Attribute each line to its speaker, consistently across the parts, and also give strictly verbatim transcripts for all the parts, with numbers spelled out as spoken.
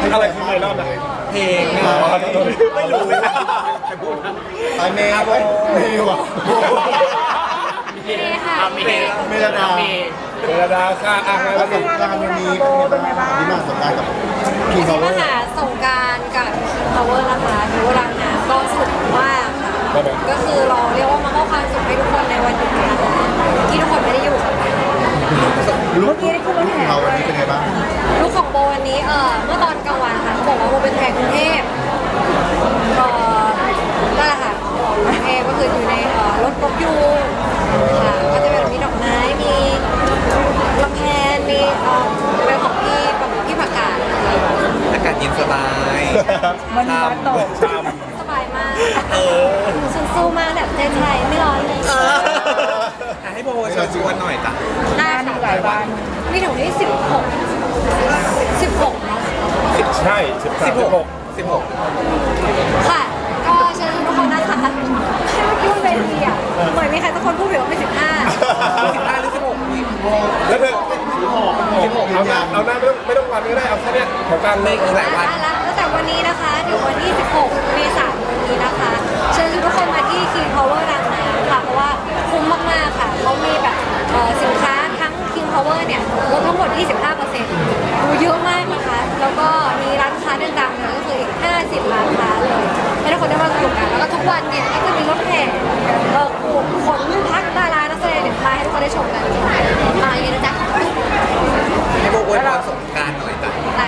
Speaker 1: อะไรคือในรอบไหนเพลงไม่รู้เลยไอเมย์เว้ยเมย์ว่ะ
Speaker 2: เมย์ค่ะเมย์
Speaker 1: เมย์ดาเมย์ดาค่ะอ่ะประสบการณ์วันนี้เป็นไงบ้างที่มาสงการกับคิงพาวเวอ
Speaker 2: มา
Speaker 1: ร์
Speaker 2: หาสงกรารกับ King Power นะคะถือว่ารังน้ำก็สนุกมากค่ะก็คือเราเรียกว่ามามอบความสุขให้ทุกคนในวันหยุดนะคะที่ทุกคนไม่ได้อยู่
Speaker 1: ลูกของเราวันนี้เป็นไงบ้าง
Speaker 2: ลูกของโบวันนี้เออเมื่อตอนกลางวันค่ะเขาบอกว่าโบเป็นแทนกรุงเทพก็นั่นแหละค่ะบอกกรุงเทพก็คืออยู่ในเอ่อรถรถยูค่ะก็จะเป็นมีดอกไม้มีลำแพนมีเอ่อเป็นของพี่พี่ผักกาดนะคะ
Speaker 3: อากาศเย็นสบาย
Speaker 4: มันมีวัดตก
Speaker 2: สบายมากฉันสู้มากแบบใจไทยไม่ร้อนเลย
Speaker 3: ให้โบเชิญชวนหน่อยจ้ะ
Speaker 2: ได้ค่ะหลายวันมีถึงที่สิบหกสิบหกเนาะ
Speaker 1: ใช่สิบสามสิบหก
Speaker 3: สิบหก
Speaker 2: ค่ะ ก็เชิญทุกคนนะคะให้เมื่อกี้บนเวทีอ่ะเหมือนมีใครสักคนพูดอยู่ว่าไม่สิบห้า
Speaker 3: สิบห้าหรือสิบหก
Speaker 1: แล้วเธอสิบหกเอาหน้าเอาหน้าไม่ต้องไม่ต้องวันก็ได้เอาแค่เนี้ยของกลางเล
Speaker 3: เลย ขอีกหลายวัน
Speaker 2: แล้วตั้งแต่วันนี้นะคะถึงวันที่สิบหกเมษายนนี้นะคะ เชิญทุกคนมาที่ King Power รังน้ำค่ะเพราะว่าคุ้มมากๆค่ะเขามีแบบเอ่อสินค้าทั้ง King Power เนี่ยลดทั้งหมด ยี่สิบห้าเปอร์เซ็นต์ ดูเยอะมากนะคะ แล้วก็มีร้านค้าดังๆเนี่ยก็คืออีกห้าสิบร้านค้าเลยให้ทุกคนได้มาสนุกกันแล้วก็ทุกวันเนี่ยก็จะมีรถแห่เออขนพักดารานักแสดงเนี่ยมาให้ทุกคนได้ชมกันมาอย่างนี้นะจ๊ะ
Speaker 3: ให้โบอวยพรสงกรารหน่อยจ้ะ
Speaker 2: แต่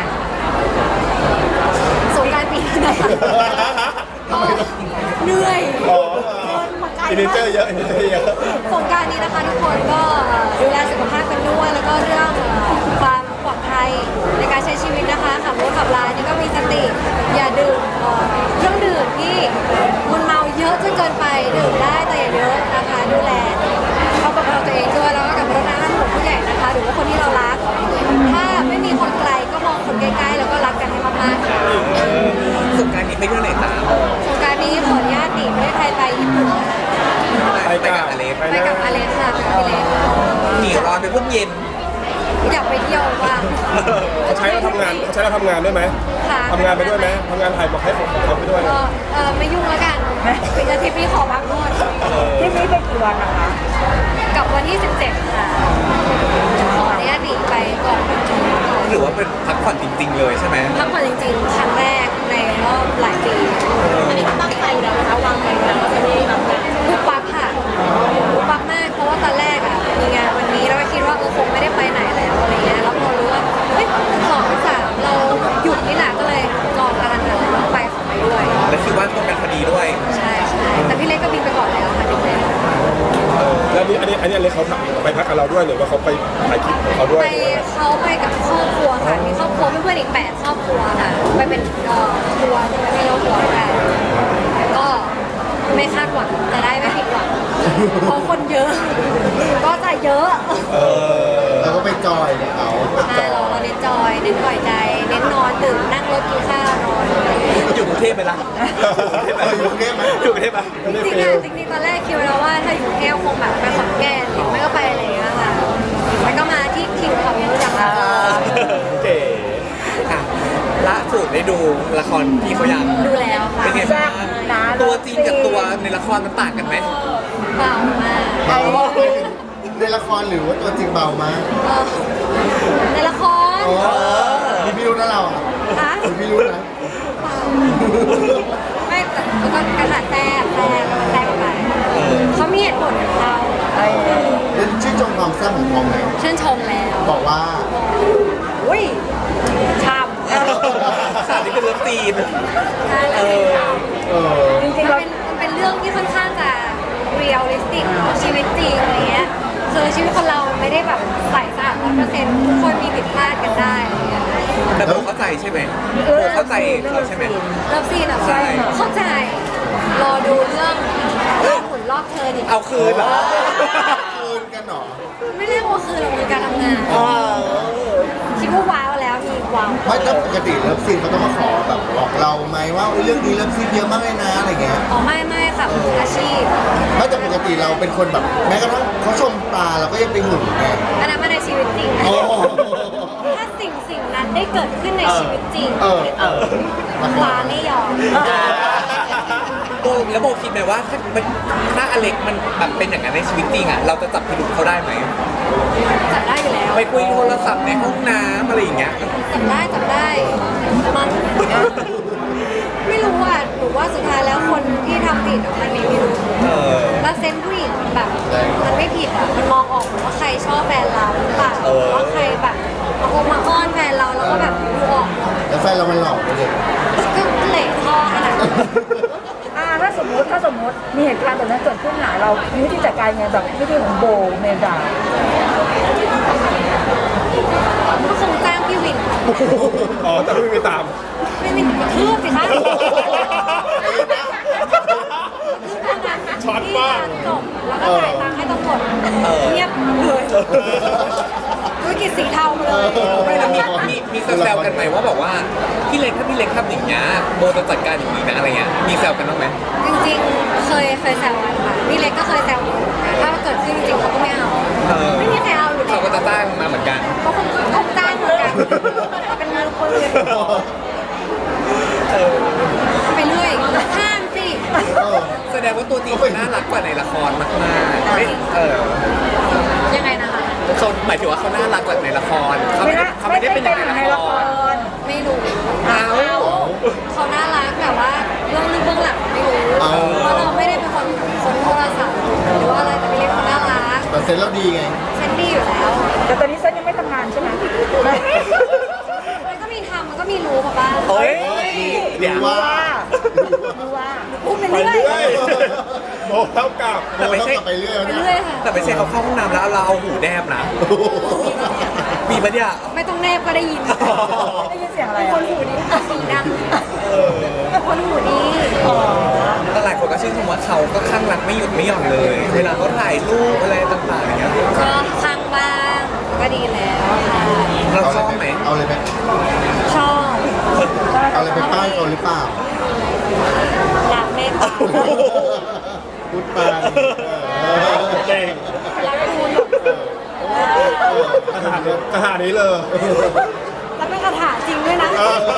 Speaker 2: สงกรารปีนี้นะคะก็เหนื่อยเดินมาไกล
Speaker 1: อินเตอ
Speaker 2: มาก
Speaker 1: ร์เยอะอินเตอร์เยอะ
Speaker 2: สงกรารนี้นะคะทุกคนก็เอ่อดูแลสุขภาพกันด้วยแล้วก็เรื่องเอ่อความปลอดภัยในการใช้ชีวิตนะคะขับรถขับลานี่ก็มีสติอย่าดื่มเอ่อเครื่องดื่มที่มันเมาเยอะจนเกินไปดื่มได้แต่อย่าเยอะนะคะดูแลเขากับเราตัวเองด้วยแล้วก็กับรถน้ำหมู่ผู้ใหญ่นะคะ หรือว่าคนที่เรารัก ถ้าไม่มีคนไกลก็มองคนใกล้ๆแล้วก็รักกันให้มากๆค่ะ
Speaker 3: สงกรารนี้ไปเที่ยวไหนจ้ะ
Speaker 2: สงกรารนี้ขออนุญาตหนีประเทศไทยไปญี่ปุ่นค่ะ
Speaker 1: ไป
Speaker 3: ไป
Speaker 1: กั
Speaker 3: กั
Speaker 1: บบ
Speaker 3: อเล็ก
Speaker 1: ไป
Speaker 2: ไป
Speaker 1: นะ
Speaker 2: กับอเล็กค่ะไปกับพี่เล็ก
Speaker 3: หนีร้อนไปพวกเย็น
Speaker 2: อยากไปเที่ยวว่าง
Speaker 1: เขาใช้เราทำงานเขาใช้เราทำงานด้วยไหม
Speaker 2: ค่ะ
Speaker 1: ทำงานไปด้วยไหมทำงานถ่ายบอกให้ผมเขาไปด้วย
Speaker 2: ก็เออไม่ยุ่งแล้วกันเป็นอาทิตย์นี้ขอพักผ่อน
Speaker 4: ที่นี้ไปกี่วันนะคะ
Speaker 2: กับวันที่สิบเจ็ดค่ะ ขออนุญาตหนีไปก่อน
Speaker 3: หรือว่าเป็นพักผ่อนจริง ๆ เลยใช่ไหม
Speaker 2: พักผ่อนจริงๆ ครั้งแรกในรอบหลายปีอันนี้ตั้งใจแล้วนะคะวางแผนแล้วว่าจะไม่รับงานลูกปักค่ะลูกปักมากเพราะว่าตอนแรกอ่ะมีงานวันนี้แล้วก็คิดว่าเออคงไม่ได้ไปไหนแล้วอะไรเงี้ยแล้วพอรู้ว่าเฮ้ยสองสามเราหยุดนี่แหละก็เลยจองกันแล้วต้องไปของไปด้วย
Speaker 3: และคิดว่าตรงกันพอดีด้วย
Speaker 2: ใช่ใช่แต่พี่เล็กก็บินไปก่อนแล้วค่ะพี่เล็ก
Speaker 1: แล้วนี่อันนี้อันนี้อะไรเขาไปพักกับเราด้วยหรือว่าเขาไปถ่ายคลิปของเขาด้วย
Speaker 2: ไปเขาไปกับครอบครัวค่ะมีครอบครัวเพื่อนๆอีกแปดครอบครัวค่ะไปเป็นเอ่อทัวร์ใช่ไหมไม่รู้ทัวร์กันก็ไม่คาดหวังจะได้ไม่ผิดหวังเพราะคนเยอะ ก็จะเยอะ
Speaker 1: เออเราก็ไปจอยกับเขา
Speaker 2: ใช่เราเราเน้นจอยเน้นปล่อยใจเน้นนอนตื่นนั่งรถกินข้าวนอนอะไรอย่างเงี้ย
Speaker 3: อยู่กรุงเทพไปละ
Speaker 1: อยู่กรุงเทพไหม
Speaker 3: อยู่กรุงเทพปะ
Speaker 1: ไม่
Speaker 2: จริง
Speaker 1: เฟ
Speaker 2: ๆ
Speaker 1: ล
Speaker 2: อะจริงๆตอนแรกคิดไว้แล้วว่าถ้าอยู่กรุงเทพคงแบบไปขอนแก่นหรือไม่ก็ไปอะไรอย่างเงี้ยค่ะมันก็มาที่คิงเขาเยอะจังเลย
Speaker 1: เก๋
Speaker 3: ค่ะล่าสุดได้ดูละครพี่เขายัง
Speaker 2: ดูแล้วค่ะ
Speaker 3: เป็นไงบ้างตัวจริงกับตัวในละครมันต่างกันไหม
Speaker 2: เบามาก
Speaker 1: เบามากในละครหรือว่าตัวจริงเบามาก
Speaker 2: เออในละคร
Speaker 1: มีพี่รู้นะเราอ่ะ
Speaker 2: คะ
Speaker 1: มีพี่รู้นะ
Speaker 2: ไม่แต่แล้วก็กระถาแทรกแทรกแทรกไปเขามีเหตุผลของเขา
Speaker 1: เล่นชื่นชมความแซ่บของทองไหม
Speaker 2: ชื่นชมแล้ว
Speaker 1: บอกว่า
Speaker 2: อุ้ยชาม
Speaker 3: สาวนี้เป็นเลิฟซีน
Speaker 2: ใช่แล้วเป็นชาม
Speaker 1: เออ
Speaker 4: จริงๆ
Speaker 2: มัน
Speaker 4: เรา
Speaker 2: เป็นมันเป็นเรื่องที่ค่อนข้างจะเรียลลิสติกเนาะชีวิตจริงอะไรเงี้ยคือชีวิตคนเรามันไม่ได้แบบใส่สะอาดร้อยเปอร์เซ็นต์ทุกคนมีผิดพลาดกันได้อะไรเงี้ย
Speaker 3: แต่โบเข้าใจใช่ไหมโบเข้าใจเขาใช่ไหม
Speaker 2: เลิฟซีนอ่ะ
Speaker 3: ใช่
Speaker 2: เข้าใจ รอดูเรื่องรอบขุนรอบเธอดิ
Speaker 3: เอาคืนเหรอ
Speaker 1: คืนกันเหรอ
Speaker 2: ไม่เรียกว่าคือเราคือการทำงาน คิดว่าว้าวแล้วมีว้าว
Speaker 1: ไม่แต่ปกติเลิฟซีนเขาต้องมาขอแบบบอกเราไหมว่าเรื่องนี้เลิฟซีนเยอะมากเลยนะอะไรเงี้ย
Speaker 2: อ๋อไม่ไม่ค่ะมืออาชีพ
Speaker 1: ไม่แต่ปกติเราเป็นคนแบบแม้กระทั่งเขาชมตาเราก็ยังไปหึงไง
Speaker 2: อันนั้นมาในชีวิตจริง
Speaker 1: โอ้
Speaker 2: ถ้าสิสิ่งสิ่งนั้นได้เกิดขึ้นในชีวิตจริง
Speaker 1: เออเออ
Speaker 2: ฟ้าไม่ยอม
Speaker 3: โบแล้วโบคิดไหมว่าถ้ามันถ้าอเล็กมันแบบเป็นอย่างนั้นในชีวิตจริงอ่ะเราจะจับพิรุธเขาได้ไหม
Speaker 2: จับได้อยู่แล้ว
Speaker 3: ไปคุยโทรศัพท์ในห้องน้ำอะไรอย่างเงี้ย
Speaker 2: จับได้จับได้มันไม่รู้อ่ะหนูว่าสุดท้ายแล้วคนที่ทำผิดอะมันมีพิรุธ
Speaker 3: เออ
Speaker 2: แล้วเซนส์ผู้หญิงมันแบบ มันไม่ผิดอ่ะมันมองออกว่าใครชอบแฟนเราหรือเปล่า
Speaker 3: เออ
Speaker 2: ว่าใครแบบมาคงมาอ้อนแฟนเราแล้วก็แบบดูออกหมด
Speaker 1: แล้วแฟนเรามันหล่อไปเลย
Speaker 2: ก็เหละท่อขนาดนั้น
Speaker 4: อ่าถ้าสมมติถ้าสมมติมีเหตุการณ์แบบนั้นเกิดขึ้นหนาเรามีวิธีจัดการยังไงแบบวิธีของโบเมดา
Speaker 2: ก็คงจ้างพี่วิน
Speaker 5: อ๋อแต่ไม่มีตาม
Speaker 2: พี่วินกระทืบสิคะ
Speaker 5: ช็อตมาก
Speaker 2: จบแล้วก็จ่ายตังค์ให้ตำรวจเงียบเลยธุรกิจสีเทามาเลย
Speaker 3: ไม่แล้วมีมีมีแซวๆกันไหมว่าแบบว่าพี่เล็กถ้าพี่เล็กทำอย่างเงี้ยโบจะจัดการอย่างนี้นะอะไรเงี้ยมีแซวกันบ้างไหม
Speaker 2: จริงๆ เคยเคยแซวกันค่ะพี่เล็กก็เคยแซวหนูนะถ้าเกิดขึ้นจริงๆเขาก็ไม่เอา
Speaker 3: เออ
Speaker 2: ไม่มีใครเอาอยู่แล้
Speaker 3: เขา
Speaker 2: ว
Speaker 3: ก็จะจ้างมาเหมือนกัน
Speaker 2: เขาคงคงจ้างเหมือนกันเป็นมือปืนไปเรื่อยห้ามสิ
Speaker 1: เออ
Speaker 3: แสดงว่าตัวจริงเขาน่ารักกว่าในละครมากๆไม่เออ
Speaker 2: ยังไงนะคะ
Speaker 3: เขาหมายถึงว่าเขาน่ารักกว่าในละครเขาไม่ได้เขาไม่ได้เป็นอย่างในละคร
Speaker 2: ไม่รู้
Speaker 3: เอา
Speaker 2: เขาน่ารักแต่ว่าเรื่องลึกเบื้องหลังไม่รู้เพราะเราไม่ได้เป็นคนคนโทรศัพท์หรือว่าอะไรแต่พี่เล็กเขาน่ารัก
Speaker 1: แต่เซ็นเราดีไง
Speaker 2: เซนดี้อยู่แล้ว
Speaker 4: แต่ตอนนี้เซนยังไม่ทำงานใช่ไหม
Speaker 2: มันก็มีทำมันก็มีรู้มาบ้าง
Speaker 3: เฮ้ย
Speaker 1: เดี๋ยวว่า
Speaker 4: รู้ว่า
Speaker 2: พูดไป
Speaker 5: ไป
Speaker 2: เรื่อย
Speaker 5: เรื่อยโบเท่ากับ
Speaker 3: แต่ไม่ใช่
Speaker 1: ไปเรื่อย
Speaker 2: ไป
Speaker 1: นะ
Speaker 2: เรื่อยค่ะ
Speaker 3: แต่ไม่ใช่เขาเข้าห้องน้ำแล้วเราเอาหูแนบนะมีปะเนี่ย
Speaker 2: ไม่ต้องแนบก็ได้ยิน
Speaker 4: ได้ยินเสียงอะไร
Speaker 2: เป็นค
Speaker 4: อ่ะ
Speaker 2: นหูดีสีดังเป็นคนหูดี
Speaker 3: แต่หลายคนก็ชื่นชมว่าเขาก็ข้างรักไม่หยุดไม่หย่อนเลย เวลาเขาถ่ายรูปอะไรต่างๆอย่างเงี้ย
Speaker 2: ก็ข้างบ้างก็ดีแล้วค่ะ
Speaker 3: เราชอบไหม
Speaker 1: เอาเลยไหม
Speaker 2: ชอบ
Speaker 1: เอาเลยไปป้ายเขาหรือเปล่า
Speaker 2: รักเมตตา
Speaker 1: พูดไปเออ
Speaker 5: เก่ง
Speaker 2: รักคุณ
Speaker 5: ขนาดนี้ขนาดนี้เลย
Speaker 2: แล้วเป็นคาถาจริงด้วยนะ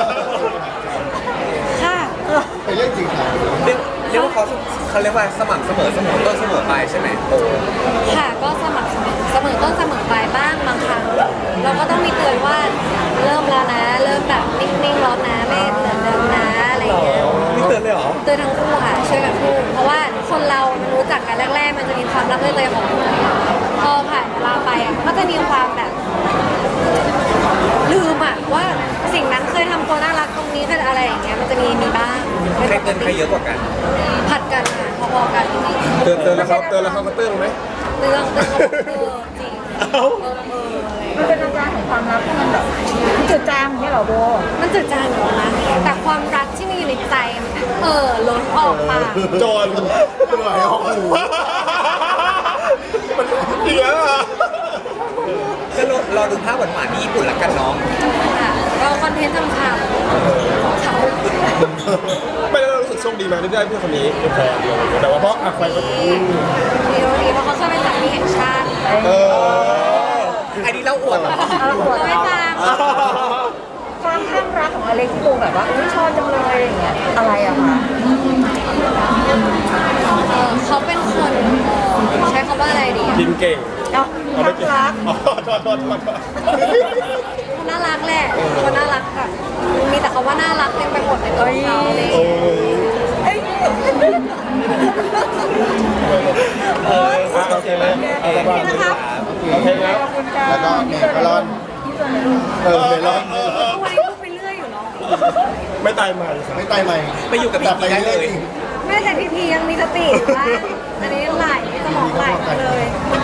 Speaker 2: ค่ะ
Speaker 1: เป็นเรื่องจริงค่ะ
Speaker 3: เรียกเรียกว่าเขาเขาเรียกว่าสม่ำเสมอเสมอต้นเสมอปลายใช่ไหมโอ้
Speaker 2: ค่ะก็สมัครเสมอเสมอต้นเสมอปลายบ้างบางครั้ง เราก็ต้องมีเตือนว่าเริ่มแล้วนะ เริ่มแบบนิ่งๆแล้วนะไม่เหมือนเดิมนะอะไรอย่างเงี้ย
Speaker 3: นี่เตือนเลยเหรอ
Speaker 2: เตือนทั้งคู่ค่ะช่วยกันพูดเพราะว่าคนเรามันรู้จักกันแรกๆ มันจะมีความรักเลยๆของมันพอผ่านเวลาไปอ่ะมันก็จะมีความแบบลืมอ่ะว่าสิ่งนั้นเคยทำตัวน่ารักตรงนี้เคยอะไรอย่างเงี้ยมันจะมีมีบ้าง
Speaker 3: ใครเตือนใครเยอะกว่ากัน
Speaker 2: ผัดกันค่ะพอๆกัน
Speaker 5: เตือนเตือนแล้วเขาเตือนแล้วเขาก็เตือนไหม
Speaker 2: เตือนเตือนเขาบอกเออจริงเออเอออะไรอย่าง
Speaker 4: มัน
Speaker 2: เงี้ย
Speaker 4: เป็นอาการของความรักที่มันแบบจืดจางอย่างเงี้ยเหรอโบ
Speaker 2: มันจืดจางอยู่แล้วนะแต่ความรักที่มีอยู่ในใจมันเออล้นออกปาก
Speaker 5: โจร
Speaker 1: ไหลออกหู
Speaker 5: มันอีกแล้วอ่ะ
Speaker 3: ก็รอรอดูภาพหวานๆที่ญี่ปุ่นละกันน้อง
Speaker 2: ค่ะก็คอนเทนต์ทำข่าวของเขา
Speaker 5: ไม่แล้วเรารู้สึกโชคดีไหมที่ได้เพื่อนคนนี้เป็นแฟนแต่ว่าเพราะอะใครก็
Speaker 2: ดีดีดีเพราะเขาเคยเป็นสามีแห่งชาติ
Speaker 5: เออ
Speaker 3: อันนี้เราอวดเหรอ
Speaker 4: เอาปวด
Speaker 2: เราไม่ฟัง
Speaker 4: ความข้างรักของอเล็กที่โบแบบว่าอุ้ยชอบจังเลยอย่างเงี้ยอะไรอะคะ
Speaker 2: เออเขาเป็นคนเอ่อใช้คำว่าอะไรดีอะ
Speaker 5: กินเก่ง
Speaker 4: เนาะข้างรัก
Speaker 5: อ๋อโทษโทษโทษ
Speaker 2: เขาน่ารักแหละเขาน่ารักแบบมีแต่คำว่าน่ารักเต็มไปหมดในตัวเขาเลย
Speaker 5: โอ้ย
Speaker 4: เอ้ย
Speaker 5: เอออ่ะโอเคไหมเอาสบาย
Speaker 2: นะครับ
Speaker 5: โอเคครับ
Speaker 4: ขอบคุณค่ะ
Speaker 1: แล้วก็เมลอน
Speaker 4: ที่เจอในรูป
Speaker 1: เออเมลอน
Speaker 2: ทุกวันนี้พูดไปเรื่อยอยู่เนาะ
Speaker 5: ไม่ตายใหม่
Speaker 1: ไม่ตายใหม่
Speaker 3: ไปอยู่กับ
Speaker 1: แต่
Speaker 3: พี่
Speaker 1: ไป
Speaker 3: ได้
Speaker 1: เรื่
Speaker 3: เล
Speaker 1: อย
Speaker 3: ย
Speaker 1: จริง
Speaker 2: แม่แต่พีพียังมีสติอยู่บ้างอันนี้ยังไหลสมองไหลเลย